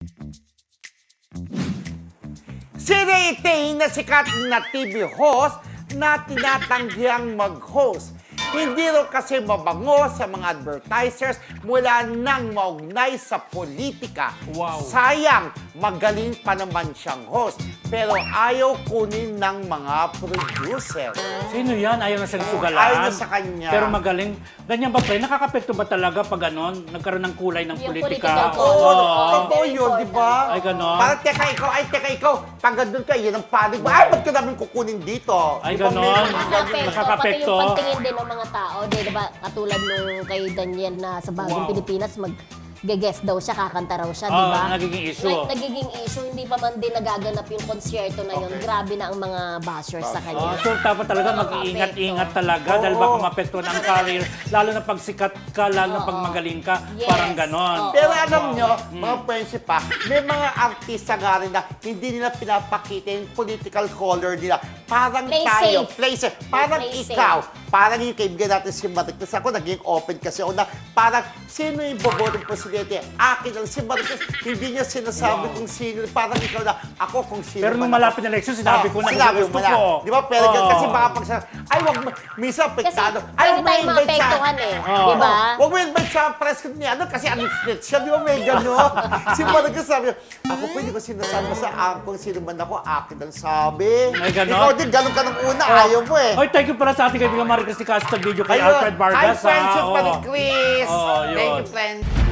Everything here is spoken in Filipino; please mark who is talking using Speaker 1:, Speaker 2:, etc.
Speaker 1: Si Ray Tay na sikat na TV host na tinatanggiang mag-host. Hindi raw kasi mabango sa mga advertisers mula nang maugnay sa politika.
Speaker 2: Wow.
Speaker 1: Sayang, magaling pa naman siyang host. Pero ayaw kunin ng mga producer.
Speaker 2: Sino yan? Ayaw na siyang sugalaan.
Speaker 1: Ayaw na sa kanya.
Speaker 2: Pero magaling. Ganyan ba, pre? Nakakapekto ba talaga pag ganon? Nagkaroon ng kulay ng
Speaker 3: Yung
Speaker 2: politika?
Speaker 3: political
Speaker 1: Oo,
Speaker 3: Oo.
Speaker 1: totoo yun, di ba?
Speaker 2: Ay, ganon.
Speaker 1: Parang teka ikaw. Pag gandun ka, yan ang panig mo. Ay, ba't ka namin kukunin dito?
Speaker 2: Ay,
Speaker 1: Di ba,
Speaker 2: ganon.
Speaker 1: meron-
Speaker 3: Nakakapekto, pati
Speaker 2: Nakakapekto.
Speaker 3: yung pagtingin din ng mga tao, di ba, katulad nung kay Daniel na sa Bagong
Speaker 2: Wow.
Speaker 3: Pilipinas, mag-guest daw siya, kakanta raw siya, di ba?
Speaker 2: Nagiging issue.
Speaker 3: Nagiging issue, hindi pa man din nagaganap yung konsyerto na yun. Grabe na ang mga bashers sa kanya.
Speaker 2: So dapat talaga mag-iingat-ingat talaga dahil
Speaker 1: Oo.
Speaker 2: baka mapektuhan ang career. Lalo na pag sikat ka, lalo na pag
Speaker 3: Oo.
Speaker 2: magaling ka.
Speaker 3: Yes.
Speaker 2: Parang ganon.
Speaker 3: Oo.
Speaker 1: Pero alam nyo, mga friendship pa, may mga artista nga rin na hindi nila pinapakita yung political color nila. Parang
Speaker 3: Play
Speaker 1: tayo,
Speaker 3: safe.
Speaker 1: play safe. Parang
Speaker 3: Play safe.
Speaker 1: ikaw, parang yung kaibigan natin si Maricruz. Ako naging open kasi ako na parang sino yung bobotong presidente? Akin ang si Maricruz. Hindi niya sinasabi kung sino. Parang ikaw na, ako kung sino.
Speaker 2: Pero nung
Speaker 1: man ako.
Speaker 2: malapit na election, sinabi ko na
Speaker 1: Sinabi
Speaker 2: gusto
Speaker 1: mo na.
Speaker 2: ko.
Speaker 1: Di ba? Pero
Speaker 2: Oo.
Speaker 1: kasi baka pag sa, ay wag mo, minsan
Speaker 3: Kasi
Speaker 1: apektado. Ay,
Speaker 3: pwede
Speaker 1: wag mo
Speaker 3: tayong
Speaker 1: invite sa-
Speaker 3: maapektuhan eh.
Speaker 2: Oo.
Speaker 3: Di ba?
Speaker 1: Huwag mo invite sa press kit niya, kasi anit-snit siya, di ba may gano'n? Si Maricruz sabi, ako pwede ko sinasabi mo sa kung sino man ako, akin ang sabi.
Speaker 2: May gano'n?
Speaker 1: Ikaw din, gano'n ka nung una, ayaw mo eh.
Speaker 2: Oy, thank you pala sa ating kaibigan Maricruz ni Castro video kay
Speaker 1: Ayun.
Speaker 2: Alfred Vargas.
Speaker 1: Hi, friends,
Speaker 2: ha?
Speaker 1: yung
Speaker 2: Oo.
Speaker 1: Maricruz.
Speaker 2: Oo, yun.
Speaker 1: Thank you, friend.